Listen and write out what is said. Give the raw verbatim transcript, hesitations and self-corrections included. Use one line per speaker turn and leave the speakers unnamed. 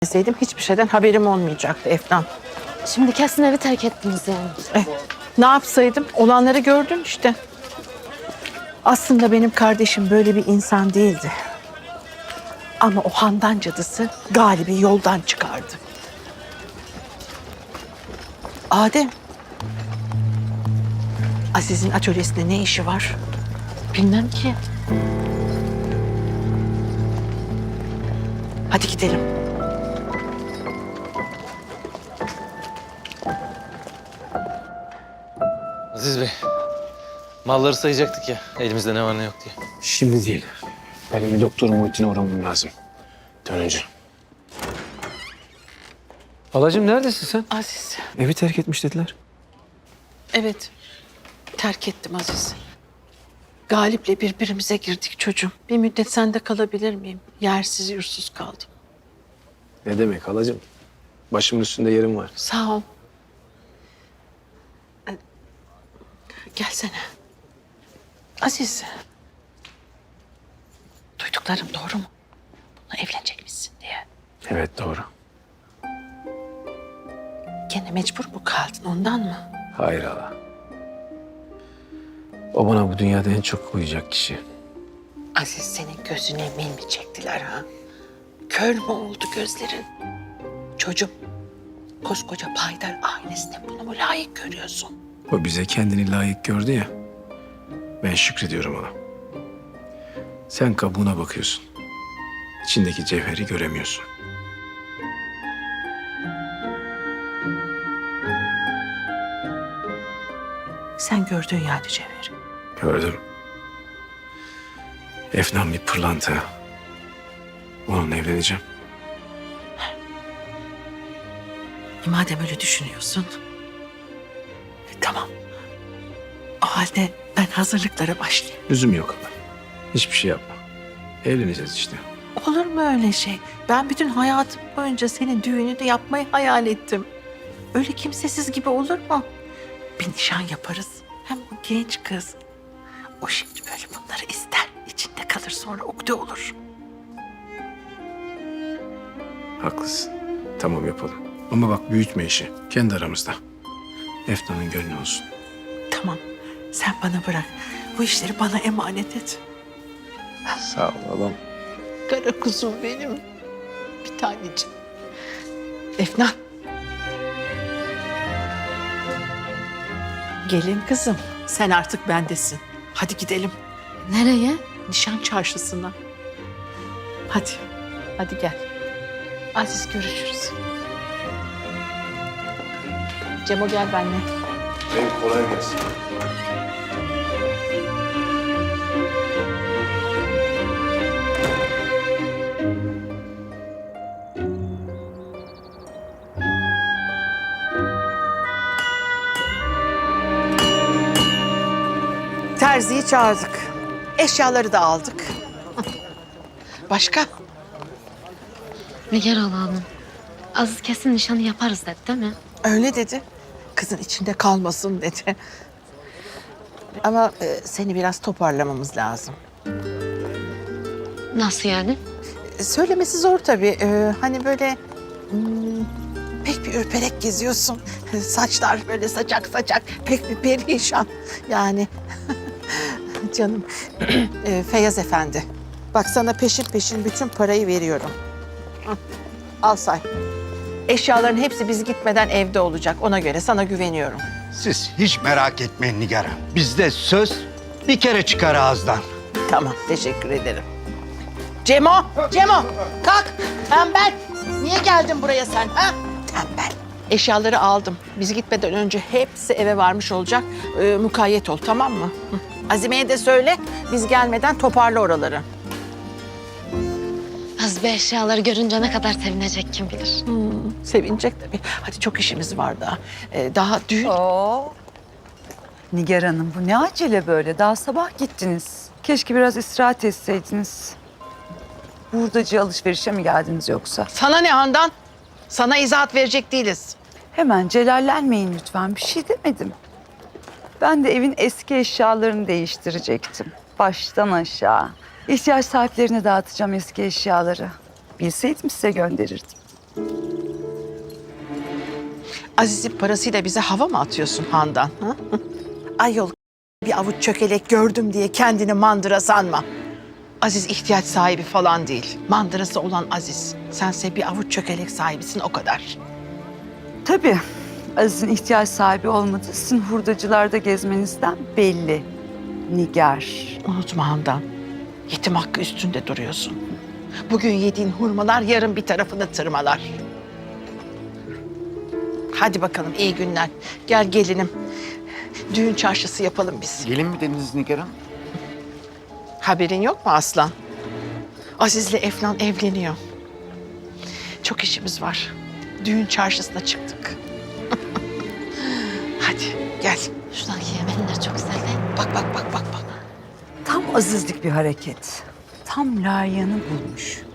Deseydim hiçbir şeyden haberim olmayacaktı Efnan.
Şimdi kesin evi terk ettiniz yani.
Eh, ne yapsaydım? Olanları gördün işte. Aslında benim kardeşim böyle bir insan değildi. Ama o Handan cadısı Galip'i yoldan çıkardı. Adem. Aziz'in atölyesinde ne işi var?
Bilmem ki.
Hadi gidelim.
Aziz Bey, malları sayacaktık ya, elimizde ne var ne yok diye.
Şimdi değil. Benim bir doktor Muhittin'e uğramam lazım. Dönünce.
Halacığım neredesin sen?
Aziz.
Evi terk etmiş dediler.
Evet. Terk ettim Aziz. Galip'le birbirimize girdik çocuğum. Bir müddet sende kalabilir miyim? Yersiz yursuz kaldım.
Ne demek halacığım? Başımın üstünde yerim var.
Sağ ol. Ee, Gelsene. Aziz. Duyduklarım doğru mu? Bununla evlenecekmişsin diye.
Evet doğru.
Gene mecbur mu kaldın ondan mı?
Hayır hala. O bana bu dünyada en çok uyacak kişi.
Aziz senin gözüne min mi çektiler ha? Kör mü oldu gözlerin? Çocuğum, koskoca Paydar ailesine bunu mu layık görüyorsun?
O bize kendini layık gördü ya. Ben şükrediyorum ona. Sen kabuğuna bakıyorsun. İçindeki cevheri göremiyorsun.
Sen gördün yani Cevher.
Gördüm. Efnan bir pırlanta. Onunla evleneceğim.
E, madem öyle düşünüyorsun. e, tamam. O halde ben hazırlıklara başlayayım.
Lüzum yok ama. Hiçbir şey yapma. Evleneceğiz işte.
Olur mu öyle şey? Ben bütün hayatım boyunca senin düğününü yapmayı hayal ettim. Öyle kimsesiz gibi olur mu? Bir nişan yaparız. Hem o genç kız. O şimdi böyle bunları ister. İçinde kalır sonra ukde olur.
Haklısın. Tamam yapalım. Ama bak büyütme işi. Kendi aramızda. Efnan'ın gönlü olsun.
Tamam. Sen bana bırak. Bu işleri bana emanet et.
Sağ ol oğlum.
Kara kuzum benim. Bir taneciğim. Efnan. Gelin kızım. Sen artık bendesin. Hadi gidelim.
Nereye?
Nişan çarşısına. Hadi. Hadi gel. Aziz görüşürüz. Cemo gel benimle.
Benim kolay gelsin.
Terziyi çağırdık. Eşyaları da aldık. Başka?
Nigar Hanım. Aziz kesin nişanı yaparız dedi değil mi?
Öyle dedi. Kızın içinde kalmasın dedi. Ama e, seni biraz toparlamamız lazım.
Nasıl yani?
E, söylemesi zor tabii. E, hani böyle hmm, pek bir ürperek geziyorsun. Saçlar böyle saçak saçak. Pek bir perişan. Yani canım e, Feyyaz Efendi. Bak sana peşin peşin bütün parayı veriyorum. Hı, al say. Eşyaların hepsi biz gitmeden evde olacak. Ona göre sana güveniyorum.
Siz hiç merak etmeyin Nigar Hanım. Bizde söz bir kere çıkar ağızdan.
Tamam, teşekkür ederim. Cemo, Cemo kalk. Tembel. Niye geldin buraya sen? Ha? Tembel. Eşyaları aldım. Biz gitmeden önce hepsi eve varmış olacak. Ee, mukayyet ol, tamam mı? Hı. Azime'ye de söyle, biz gelmeden toparla oraları.
Aziz Bey eşyaları görünce ne kadar sevinecek kim bilir.
Hmm, sevinecek tabii. Hadi çok işimiz var daha. Ee, daha düğün...
Oo. Nigar Hanım bu ne acele böyle? Daha sabah gittiniz. Keşke biraz istirahat etseydiniz. Hurdacı alışverişe mi geldiniz yoksa?
Sana ne Handan? Sana izahat verecek değiliz.
Hemen celallenmeyin lütfen. Bir şey demedim. Ben de evin eski eşyalarını değiştirecektim. Baştan aşağı. İhtiyaç sahiplerine dağıtacağım eski eşyaları. Bilseydim size gönderirdim.
Aziz'in parasıyla bize hava mı atıyorsun Handan? Ha? Ayol bir avuç çökelek gördüm diye kendini mandıra sanma. Aziz ihtiyaç sahibi falan değil. Mandırası olan Aziz. Sense bir avuç çökelek sahibisin o kadar.
Tabii Aziz'in ihtiyaç sahibi olmadığı sizin hurdacılarda gezmenizden belli. Nigar.
Unutma Handan. Yetim hakkı üstünde duruyorsun. Bugün yediğin hurmalar yarın bir tarafını tırmalar. Hadi bakalım iyi günler. Gel gelinim. Düğün çarşısı yapalım biz.
Gelin mi dediniz Nigar Hanım?
Haberin yok mu Aslan? Aziz'le Efnan evleniyor. Çok işimiz var. Düğün çarşısına çıktık. Hadi gel.
Şuradaki yemenler çok güzel değil mi?
Bak bak bak bak bak.
Tam Azizlik bir hareket. Tam layığını bulmuş.